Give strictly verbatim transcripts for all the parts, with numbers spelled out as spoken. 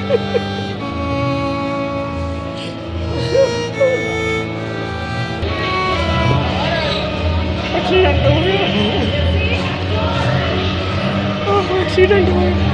Accident हो गया accident हो गया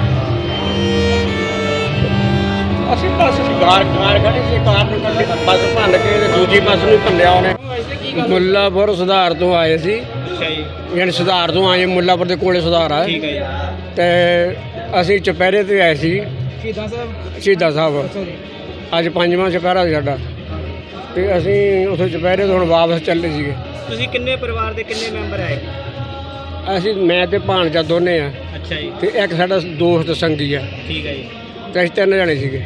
ਅਸੀਂ ਬੱਸ ਕਾਰ ਕਾਰ ਖੜੀ ਸੀ ਕਾਰ ਨੂੰ ਕੱਢੀ ਤਾਂ ਬੱਸ ਭੰਨ ਕੇ ਤੇ ਦੂਜੀ ਬੱਸ ਨੂੰ ਭੰਨਿਆ ਉਹਨੇ। ਮੁੱਲਾਪੁਰ ਸੁਧਾਰ ਤੋਂ ਆਏ ਸੀ। ਅੱਛਾ ਜੀ। ਯਾਨੀ ਸੁਧਾਰ ਤੋਂ ਆਏ ਮੁੱਲਾਪੁਰ ਦੇ ਕੋਲੇ ਸੁਧਾਰ ਆ। ਠੀਕ ਹੈ ਜੀ। ਤੇ ਅਸੀਂ ਚੁਪਹਿਰੇ ਤੇ ਆਏ ਸੀ ਸ਼ਹੀਦਾਂ ਸਾਹਿਬ। ਸ਼ਹੀਦਾਂ ਸਾਹਿਬ ਅੱਜ ਪੰਜਵਾਂ ਚੁਪਹਿਰਾ ਸਾਡਾ ਤੇ ਅਸੀਂ ਉੱਥੇ ਚੁਪਹਿਰੇ ਤੋਂ ਹੁਣ ਵਾਪਸ ਚੱਲੇ ਸੀਗੇ। ਤੁਸੀਂ ਕਿੰਨੇ ਪਰਿਵਾਰ ਦੇ ਕਿੰਨੇ ਮੈਂਬਰ ਆਏ? ਅਸੀਂ ਮੈਂ ਤੇ ਭਾਣਜਾ ਦੋਨੇ ਆ। ਅੱਛਾ ਜੀ। ਤੇ ਇੱਕ ਸਾਡਾ ਦੋਸਤ ਸੰਗੀ ਆ। ਠੀਕ ਹੈ ਜੀ। ਤੇ ਅਸੀਂ ਤਿੰਨ ਜਣੇ ਸੀਗੇ।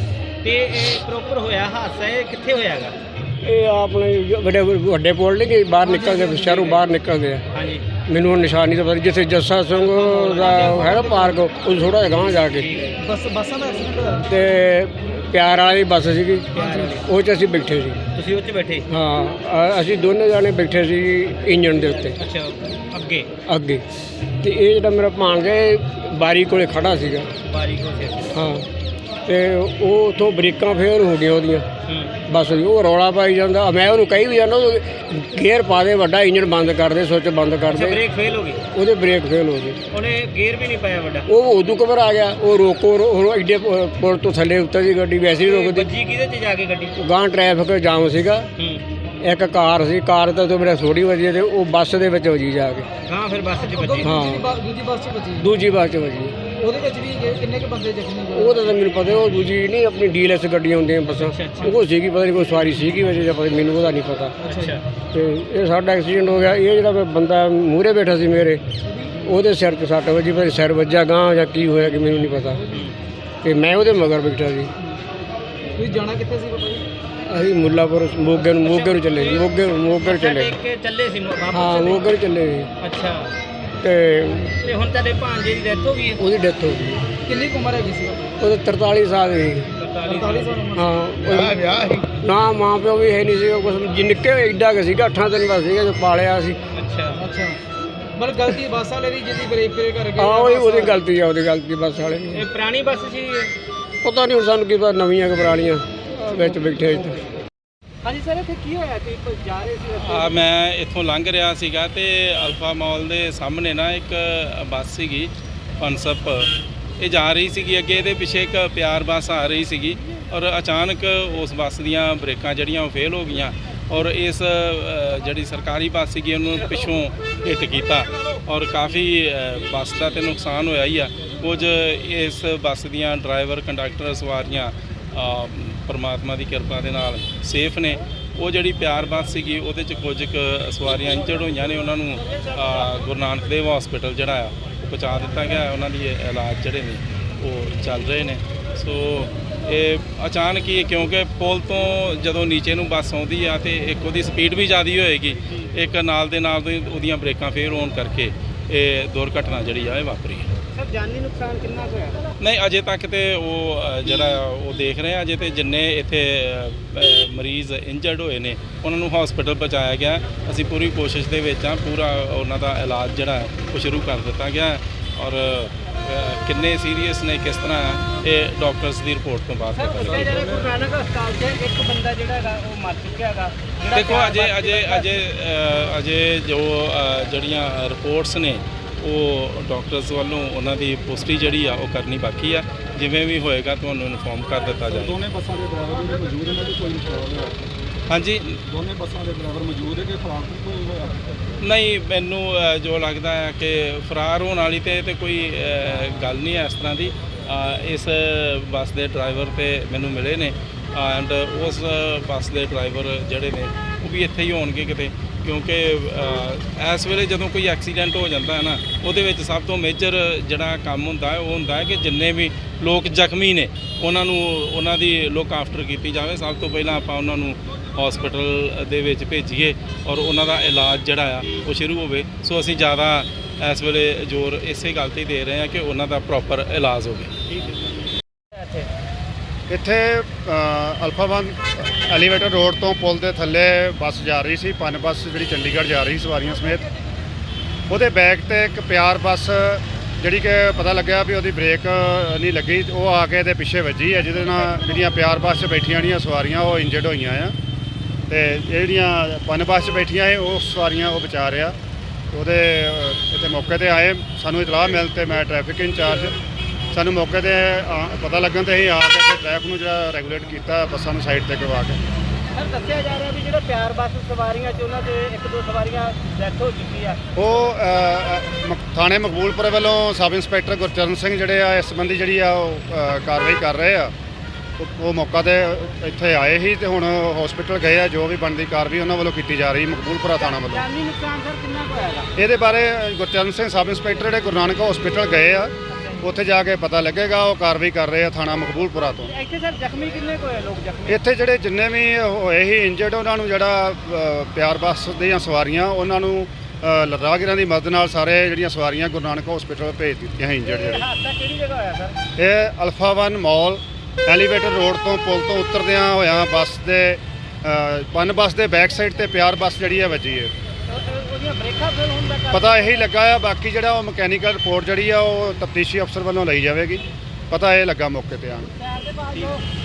ਤੇ ਇਹ ਪ੍ਰੋਪਰ ਹੋਇਆ ਹਾਦਸਾ ਇਹ ਕਿੱਥੇ ਹੋਇਆਗਾ? ਇਹ ਆਪਣੇ ਵੱਡੇ ਵੱਡੇ ਪੁਲ ਨਹੀਂ ਗਏ ਬਾਹਰ ਨਿਕਲਦੇ ਸ਼ਹਿਰੋਂ ਬਾਹਰ ਨਿਕਲਦੇ ਆ। ਹਾਂਜੀ। ਮੈਨੂੰ ਹੁਣ ਨਿਸ਼ਾਨੀ ਤਾਂ ਪਤਾ ਨਹੀਂ ਜਿੱਥੇ ਜੱਸਾ ਸਿੰਘ ਦਾ ਹੈ ਨਾ ਪਾਰਕ ਉਹ ਥੋੜ੍ਹਾ ਜਿਹਾ ਗਾਂਹ ਜਾ ਕੇ ਬੱਸ ਬੱਸਾਂ ਦਾ ਐਕਸੀਡੈਂਟ ਹੋਇਆ ਤੇ ਪਿਆਰ ਵਾਲੀ ਬੱਸ ਸੀਗੀ ਉਹ 'ਚ ਅਸੀਂ ਬੈਠੇ ਸੀ। ਤੁਸੀਂ ਉਹ 'ਚ ਬੈਠੇ? ਹਾਂ ਅ- ਅਸੀਂ ਦੋਨੇ ਜਾਣੇ ਬੈਠੇ ਸੀ ਇੰਜਣ ਦੇ ਉੱਤੇ। ਅੱਛਾ ਅੱਗੇ ਅੱਗੇ ਤੇ ਇਹ ਜਿਹੜਾ ਮੇਰਾ ਭਾਣਜਾ ਇਹ ਬਾਰੀ ਕੋਲੇ ਖੜਾ ਸੀਗਾ। ਬਾਰੀ ਕੋਲ ਸੀ। ਹਾਂ ਤੇ ਉਹ ਉੱਥੋਂ ਬ੍ਰੇਕਾਂ ਫੇਲ ਹੋ ਗਈਆਂ ਉਹਦੀਆਂ ਹੂੰ। ਬਸ ਉਹ ਰੌਲਾ ਪਾਈ ਜਾਂਦਾ। ਮੈਂ ਉਹਨੂੰ ਕਹੀ ਵੀ ਜਾਂਦਾ ਗੇਅਰ ਪਾ ਦੇ ਵੱਡਾ ਇੰਜਣ ਬੰਦ ਕਰ ਦੇ ਸੁੱਚ ਬੰਦ ਕਰ ਅੱਛਾ ਦੇ। ਬ੍ਰੇਕ ਫੇਲ ਹੋ ਗਈ? ਉਹਦੇ ਬ੍ਰੇਕ ਫੇਲ ਹੋ ਗਏ। ਉਹਨੇ ਗੇਅਰ ਵੀ ਨਹੀਂ ਪਾਇਆ ਵੱਡਾ? ਉਹ ਉਦੋਂ ਕਬਰ ਆ ਗਿਆ ਉਹ ਰੋਕੋ ਉਹ ਐਡੇ ਪ- ਪੁਲ ਤੋਂ ਥੱਲੇ ਉੱਤਰ ਦੀ ਗੱਡੀ ਵੈਸੇ ਹੀ ਰੁਕਦੀ। ਵੱਜੀ ਕਿਹਦੇ 'ਚ ਜਾ ਕੇ ਗੱਡੀ? ਗਾਂ ਟ੍ਰੈਫਿਕ ਜਾਮ ਸੀਗਾ। ਹੂੰ। ਇੱਕ ਕਾਰ ਸੀ ਕਾਰ ਤਾਂ ਤੋਂ ਮੇਰਾ ਥੋੜੀ ਵਜੀ ਤੇ ਉਹ ਬੱਸ ਦੇ ਵਿੱਚ ਵਜੀ ਜਾ ਕੇ। ਹਾਂ ਫਿਰ ਬੱਸ 'ਚ ਵੱਜੀ। ਹਾਂ ਦੂਜੀ ਬੱਸ 'ਚ ਵੱਜੀ? ਦੂਜੀ ਬੱਸ 'ਚ ਵਜੀ। ਉਹਦੇ ਵਿੱਚ ਵੀ ਕਿੰਨੇ ਕੁ ਬੰਦੇ ਜ਼ਖਮੀ ਹੋਏ? ਉਹ ਤਾਂ ਮੈਨੂੰ ਪਤਾ ਉਹ ਦੂਜੀ ਨਹੀਂ ਆਪਣੀ ਡੀਐਲਐਸ ਗੱਡੀਆਂ ਹੁੰਦੀਆਂ ਬੱਸਾਂ ਉਹ ਸੀਗੀ ਪਤਾ ਨਹੀਂ ਕੋਈ ਸਵਾਰੀ ਸੀਗੀ ਵਜੇ ਜਾਂ ਪਤਾ ਮੈਨੂੰ ਉਹਦਾ ਨਹੀਂ ਪਤਾ। ਅੱਛਾ। ਤੇ ਇਹ ਸਾਡਾ ਐਕਸੀਡੈਂਟ ਹੋ ਗਿਆ। ਇਹ ਜਿਹੜਾ ਬੰਦਾ ਮੂਹਰੇ ਬੈਠਾ ਸੀ ਮੇਰੇ ਉਹਦੇ ਸਿਰ 'ਤੇ ਸੱਟ ਵੱਜੀ ਪਰ ਸਿਰ ਵੱਜਾ ਗਾਂ ਜਾਂ ਕੀ ਹੋਇਆ ਕਿ ਮੈਨੂੰ ਨਹੀਂ ਪਤਾ ਤੇ ਮੈਂ ਉਹਦੇ ਮਗਰ ਬੈਠਾ ਸੀ। ਤੁਸੀਂ ਜਾਣਾ ਕਿੱਥੇ ਸੀ ਬਾਬਾ ਜੀ? ਅਸੀਂ ਮੁੱਲਾਪੁਰ ਮੋਗੇ ਨੂੰ ਮੋਗੇ ਨੂੰ ਚੱਲੇ ਸੀ ਮੋਗੇ ਮੋਗੇ ਨੂੰ ਚੱਲੇ ਦੇਖ ਕੇ ਚੱਲੇ ਸੀ ਵਾਪਸ? ਹਾਂ ਮੋਗੇ ਨੂੰ ਚੱਲੇ ਸੀ। ਅੱਛਾ। ਤੇ ਤੇ ਹੁਣ ਤੁਹਾਡੇ ਭਾਂਜੇ ਦੀ ਡੈਥ ਹੋ ਗਈ ਹੈ? ਉਹਦੀ ਡੈਥ ਹੋ ਗਈ। ਕਿੰਨੀ ਕੁ ਉਮਰ ਹੈਗੀ ਸੀ? ਉਹਦੇ ਤਰਤਾਲੀ ਸਾਲ ਦੀ। ਤਰਤਾਲੀ ਸਾਲ ਉਮਰ? ਹਾਂ ਵਿਆਹ ਸੀ ਨਾ ਮਾਂ ਪਿਓ ਵੀ ਹੈ ਨਹੀਂ ਸੀਗਾ ਕੁਛ ਜੀ ਨਿੱਕੇ ਐਡਾ ਕੁ ਸੀਗਾ ਅੱਠਾਂ ਦਿਨ ਦਾ ਸੀਗਾ ਜੋ ਪਾਲਿਆ ਸੀ। ਅੱਛਾ ਅੱਛਾ। ਮਤਲਬ ਗਲਤੀ ਬੱਸ ਵਾਲੇ ਦੀ ਜਿਹਦੀ ਬ੍ਰੇਕ ਫੇਲ ਕਰ ਗਏ? ਹਾਂ ਉਹਦੀ ਉਹਦੀ ਗਲਤੀ ਆ ਉਹਦੀ ਗਲਤੀ ਬੱਸ ਵਾਲੇ ਦੀ। ਇਹ ਪੁਰਾਣੀ ਬੱਸ ਸੀ? ਪਤਾ ਨਹੀਂ ਹੁਣ ਸਾਨੂੰ ਕੀ ਪਤਾ ਨਵੀਆਂ ਕਿ ਪੁਰਾਣੀਆਂ ਵਿੱਚ ਬੈਠੇ ਇੱਥੇ। ਹਾਂਜੀ ਸਰ ਇੱਥੇ ਕੀ ਹੋਇਆ ਸੀ? ਜਾ ਰਹੇ ਸੀ? ਆ ਮੈਂ ਇੱਥੋਂ ਲੰਘ ਰਿਹਾ ਸੀਗਾ ਤੇ ਅਲਫਾ ਮਾਲ ਦੇ ਸਾਹਮਣੇ ਨਾ ਇੱਕ ਬੱਸ ਸੀਗੀ ਪਨਸਪ ਇਹ ਜਾ ਰਹੀ ਸੀਗੀ ਅੱਗੇ ਇਹਦੇ ਪਿੱਛੇ ਇੱਕ ਪਿਆਰ ਬੱਸ ਆ ਰਹੀ ਸੀਗੀ ਔਰ ਅਚਾਨਕ ਉਸ ਬੱਸ ਦੀਆਂ ਬ੍ਰੇਕਾਂ ਜਿਹੜੀਆਂ ਉਹ ਫੇਲ ਹੋ ਗਈਆਂ ਔਰ ਇਸ ਜਿਹੜੀ ਸਰਕਾਰੀ ਬੱਸ ਸੀਗੀ ਉਹਨੂੰ ਪਿੱਛੋਂ ਹਿੱਟ ਕੀਤਾ ਔਰ ਕਾਫੀ ਬੱਸ ਦਾ ਤੇ ਨੁਕਸਾਨ ਹੋਇਆ ਹੀ ਆ। ਕੁਝ ਇਸ ਬੱਸ ਦੀਆਂ ਡਰਾਈਵਰ ਕੰਡਕਟਰ ਸਵਾਰੀਆਂ ਪਰਮਾਤਮਾ ਦੀ ਕਿਰਪਾ ਦੇ ਨਾਲ ਸੇਫ ਨੇ। ਉਹ ਜਿਹੜੀ ਪਿਆਰ ਬੱਸ ਸੀਗੀ ਉਹਦੇ 'ਚ ਕੁਝ ਕੁ ਸਵਾਰੀਆਂ ਇੰਜਰਡ ਹੋਈਆਂ ਨੇ ਉਹਨਾਂ ਨੂੰ ਗੁਰੂ ਨਾਨਕ ਦੇਵ ਹਸਪੀਟਲ ਜਿਹੜਾ ਆ ਉਹ ਪਹੁੰਚਾ ਦਿੱਤਾ ਗਿਆ। ਉਹਨਾਂ ਦੀ ਇਲਾਜ ਜਿਹੜੇ ਨੇ ਉਹ ਚੱਲ ਰਹੇ ਨੇ। ਸੋ ਇਹ ਅਚਾਨਕ ਹੀ ਕਿਉਂਕਿ ਪੁਲ ਤੋਂ ਜਦੋਂ ਨੀਚੇ ਨੂੰ ਬੱਸ ਆਉਂਦੀ ਆ ਤੇ ਇੱਕ ਉਹਦੀ ਸਪੀਡ ਵੀ ਜ਼ਿਆਦਾ ਹੋਏਗੀ ਇੱਕ ਨਾਲ ਦੇ ਨਾਲ ਉਹਦੀਆਂ ਬ੍ਰੇਕਾਂ ਫੇਲ ਹੋਣ ਕਰਕੇ ਇਹ ਦੁਰਘਟਨਾ ਜਿਹੜੀ ਆ ਇਹ ਵਾਪਰੀ ਹੈ। ਸਰ ਜਾਨੀ ਨੁਕਸਾਨ ਕਿੰਨਾ ਕੁ ਹੋਇਆ? ਨਹੀਂ ਅਜੇ ਤੱਕ ਤੇ ਉਹ ਜਿਹੜਾ ਉਹ ਦੇਖ ਰਹੇ ਆ ਅਜੇ ਤੇ ਜਿੰਨੇ ਇੱਥੇ ਮਰੀਜ਼ ਇੰਜਰਡ ਹੋਏ ਨੇ ਉਹਨਾਂ ਨੂੰ ਹਸਪੀਟਲ ਪਹੁੰਚਾਇਆ ਗਿਆ। ਅਸੀਂ ਪੂਰੀ ਕੋਸ਼ਿਸ਼ ਦੇ ਵਿੱਚ ਆ ਪੂਰਾ ਉਹਨਾਂ ਦਾ ਇਲਾਜ ਜਿਹੜਾ ਉਹ ਸ਼ੁਰੂ ਕਰ ਦਿੱਤਾ ਗਿਆ ਔਰ ਕਿੰਨੇ ਸੀਰੀਅਸ ਨੇ ਕਿਸ ਤਰ੍ਹਾਂ ਇਹ ਡਾਕਟਰਸ ਦੀ ਰਿਪੋਰਟ ਤੋਂ ਬਾਅਦ ਪਤਾ ਲੱਗੇਗਾ। ਜਿਹੜੇ ਗੁਰੂ ਨਾਨਕ ਹਸਪਤਾਲ 'ਚ ਇੱਕ ਬੰਦਾ ਜਿਹੜਾ ਹੈਗਾ ਉਹ ਮਰ ਚੁੱਕਿਆ ਹੈਗਾ। ਦੇਖੋ ਅਜੇ ਅਜੇ ਅਜੇ ਅਜੇ ਜੋ ਜਿਹੜੀਆਂ ਰਿਪੋਰਟਸ ਨੇ ਉਹ ਡਾਕਟਰਸ ਵੱਲੋਂ ਉਹਨਾਂ ਦੀ ਪੁਸ਼ਟੀ ਜਿਹੜੀ ਆ ਉਹ ਕਰਨੀ ਬਾਕੀ ਆ। ਜਿਵੇਂ ਵੀ ਹੋਏਗਾ ਤੁਹਾਨੂੰ ਇਨਫੋਰਮ ਕਰ ਦਿੱਤਾ ਜਾਏਗਾ। ਦੋਨੇ ਬੱਸਾਂ ਦੇ ਡਰਾਈਵਰ ਵੀ ਮੌਜੂਦ ਨੇ ਤੇ ਕੋਈ ਨੁਕਸਾਨ ਹੋਇਆ? ਹਾਂਜੀ ਦੋਨੇ ਬੱਸਾਂ ਦੇ ਡਰਾਈਵਰ ਮੌਜੂਦ ਹੈ ਕਿ ਫਰਾਰ ਕੋਈ ਹੋਇਆ? ਨਹੀਂ ਮੈਨੂੰ ਜੋ ਲੱਗਦਾ ਹੈ ਕਿ ਫਰਾਰ ਹੋਣ ਵਾਲੀ ਤੇ ਤੇ ਕੋਈ ਗੱਲ ਨਹੀਂ ਹੈ ਇਸ ਤਰ੍ਹਾਂ ਦੀ। ਇਸ ਬੱਸ ਦੇ ਡਰਾਈਵਰ ਤੇ ਮੈਨੂੰ ਮਿਲੇ ਨੇ ਐਂਡ ਉਸ ਬੱਸ ਦੇ ਡਰਾਈਵਰ ਜਿਹੜੇ ਨੇ ਉਹ ਵੀ ਇੱਥੇ ਹੀ ਹੋਣਗੇ ਕਿਤੇ ਕਿਉਂਕਿ ਇਸ ਵੇਲੇ ਜਦੋਂ ਕੋਈ ਐਕਸੀਡੈਂਟ ਹੋ ਜਾਂਦਾ ਹੈ ਨਾ ਉਹਦੇ ਵਿੱਚ ਸਭ ਤੋਂ ਮੇਜਰ ਜਿਹੜਾ ਕੰਮ ਹੁੰਦਾ ਹੈ ਉਹ ਹੁੰਦਾ ਹੈ ਕਿ ਜਿੰਨੇ ਵੀ ਲੋਕ ਜ਼ਖਮੀ ਨੇ ਉਹਨਾਂ ਨੂੰ ਉਹਨਾਂ ਦੀ ਲੁੱਕ ਆਫਟਰ ਕੀਤੀ ਜਾਵੇ। ਸਭ ਤੋਂ ਪਹਿਲਾਂ ਆਪਾਂ ਉਹਨਾਂ ਨੂੰ ਹਸਪੀਟਲ ਦੇ ਵਿੱਚ ਭੇਜੀਏ ਔਰ ਉਹਨਾਂ ਦਾ ਇਲਾਜ ਜਿਹੜਾ ਆ ਉਹ ਸ਼ੁਰੂ ਹੋਵੇ। ਸੋ ਅਸੀਂ ਜ਼ਿਆਦਾ ਇਸ ਵੇਲੇ ਜ਼ੋਰ ਇਸੇ ਗੱਲ 'ਤੇ ਦੇ ਰਹੇ ਹਾਂ ਕਿ ਉਹਨਾਂ ਦਾ ਪ੍ਰੋਪਰ ਇਲਾਜ ਹੋਵੇ। ਇੱਥੇ ਅਲਫਾ ਵਨ ਐਲੀਵੇਟਰ ਰੋਡ ਤੋਂ ਪੁਲ ਦੇ ਥੱਲੇ ਬੱਸ ਜਾ ਰਹੀ ਸੀ ਪਨ ਬੱਸ ਜਿਹੜੀ ਚੰਡੀਗੜ੍ਹ ਜਾ ਰਹੀ ਸਵਾਰੀਆਂ ਸਮੇਤ। ਉਹਦੇ ਬੈਕ ਤੇ ਇੱਕ ਪਿਆਰ ਬੱਸ ਜਿਹੜੀ ਕਿ ਪਤਾ ਲੱਗਿਆ ਵੀ ਉਹਦੀ ਬ੍ਰੇਕ ਨਹੀਂ ਲੱਗੀ, ਉਹ ਆ ਕੇ ਇਹਦੇ ਪਿੱਛੇ ਵੱਜੀ ਹੈ, ਜਿਹਦੇ ਨਾਲ ਜਿਹੜੀਆਂ ਪਿਆਰ ਬੱਸ 'ਚ ਬੈਠੀਆਂ ਜਿਹੜੀਆਂ ਸਵਾਰੀਆਂ ਉਹ ਇੰਜਰਡ ਹੋਈਆਂ ਆ, ਤੇ ਜਿਹੜੀਆਂ ਪਨ ਬੱਸ 'ਚ ਬੈਠੀਆਂ ਇਹ ਉਹ ਸਵਾਰੀਆਂ ਉਹ ਬਚਾ ਰਿਹਾ। ਉਹਦੇ ਅ, ਇੱਥੇ ਮੌਕੇ ਤੇ ਆਏ, ਸਾਨੂੰ ਇਤਲਾਹ ਮਿਲ ਤੇ ਮੈਂ ਟ੍ਰੈਫਿਕ ਇੰਚਾਰਜ, ਸਾਨੂੰ ਮੌਕੇ ਤੇ ਆ- ਪਤਾ ਲੱਗਣ ਤੇ ਅਸੀਂ ਆ ਕੇ ਤੇ ਟ੍ਰੈਫਿਕ ਨੂੰ ਜਿਹੜਾ ਰੈਗੂਲੇਟ ਕੀਤਾ, ਬੱਸਾਂ ਨੂੰ ਸਾਈਡ ਤੇ ਕਰਵਾ ਕੇ। ਸਰ ਦੱਸਿਆ ਜਾ ਰਿਹਾ ਵੀ ਜਿਹੜਾ ਪਿਆਰ ਬੱਸ ਸਵਾਰੀਆਂ ਚ ਉਹਨਾਂ ਦੇ ਇੱਕ ਦੋ ਸਵਾਰੀਆਂ ਡੈਥ ਹੋ ਚੁੱਕੀ ਆ। ਉਹ ਅ, ਅ, ਮ- ਥਾਣੇ ਮਕਬੂਲਪੁਰ ਵੱਲੋਂ ਸਬ ਇੰਸਪੈਕਟਰ ਗੁਰਚਰਨ ਸਿੰਘ ਜਿਹੜੇ ਆ ਇਸ ਸੰਬੰਧੀ ਜਿਹੜੀ ਆ ਉਹ ਅ, ਕਾਰਵਾਈ ਕਰ ਰਹੇ ਆ। ਉਹ- ਉਹ ਮੌਕਾ ਤੇ ਇੱਥੇ ਆਏ ਸੀ ਤੇ ਹੁਣ ਹਸਪੀਟਲ ਗਏ ਆ, ਜੋ ਵੀ ਬਣਦੀ ਕਾਰਵਾਈ ਉਹਨਾਂ ਵੱਲੋਂ ਕੀਤੀ ਜਾ ਰਹੀ ਮਕਬੂਲਪੁਰਾ ਥਾਣਾ ਵੱਲੋਂ। ਜਾਨੀ ਨੁਕਸਾਨ ਸਰ ਕਿੰਨਾ ਕੁ ਹੋਇਆਗਾ? ਇਹਦੇ ਬਾਰੇ ਗੁਰਚਰਨ ਸਿੰਘ ਸਬ ਇੰਸਪੈਕਟਰ ਜਿਹੜੇ ਗੁਰੂ ਨਾਨਕ ਹਸਪੀਟਲ ਗਏ ਆ, ਉੱਥੇ ਜਾ ਕੇ ਪਤਾ ਲੱਗੇਗਾ। ਉਹ ਕਾਰਵਾਈ ਕਰ ਰਹੇ ਆ ਥਾਣਾ ਮਕਬੂਲਪੁਰਾ ਤੋਂ। ਇੱਥੇ ਸਰ ਜ਼ਖਮੀ ਕਿੰਨੇ ਕੁ ਹੋਏ ਲੋਕ ਜ਼ਖਮੀ? ਇੱਥੇ ਜਿਹੜੇ ਜਿੰਨੇ ਵੀ ਹੋਏ ਸੀ ਇੰਜਰਡ, ਉਹਨਾਂ ਨੂੰ ਜਿਹੜਾ ਅ, ਪਿਆਰ ਬੱਸ ਦੀਆਂ ਸਵਾਰੀਆਂ ਉਹਨਾਂ ਨੂੰ ਅ, ਰਾਹਗੀਰਾਂ ਦੀ ਮਦਦ ਨਾਲ ਸਾਰੇ ਜਿਹੜੀਆਂ ਸਵਾਰੀਆਂ ਗੁਰੂ ਨਾਨਕ ਹਸਪੀਟਲ ਭੇਜ ਦਿੱਤੀਆਂ ਸੀ ਇੰਜਰਡ ਜਿਹੜੇ। ਹਾਦਸਾ ਕਿਹੜੀ ਜਗ੍ਹਾ ਹੋਇਆ ਸਰ? ਇਹ Alpha One mall elevated road ਤੋਂ ਪੁਲ ਤੋਂ ਉਤਰਦਿਆਂ ਹੋਇਆਂ ਬੱਸ ਦੇ ਅ, ਪਨ ਬੱਸ ਦੇ ਬੈਕ ਸਾਈਡ ਤੇ ਪਿਆਰ ਬੱਸ ਜਿਹੜੀ ਹੈ ਵੱਜੀ ਹੈ। ਉਹ- ਉਹਦੀਆਂ ਬ੍ਰੇਕਾਂ ਫੇਲ ਹੋਣ ਦਾ ਕਾਰਨ? ਪਤਾ ਇਹੀ ਲੱਗਾ ਆ, ਬਾਕੀ ਜਿਹੜਾ ਉਹ ਮਕੈਨੀਕਲ ਰਿਪੋਰਟ ਜਿਹੜੀ ਆ ਉਹ ਤਫਤੀਸ਼ੀ ਅਫਸਰ ਵੱਲੋਂ ਲਈ ਜਾਵੇਗੀ। ਪਤਾ ਇਹ ਲੱਗਾ ਮੌਕੇ ਤੇ ਆਣ। ਪੈਰ ਦੇ ਪਾਸ ਜੋ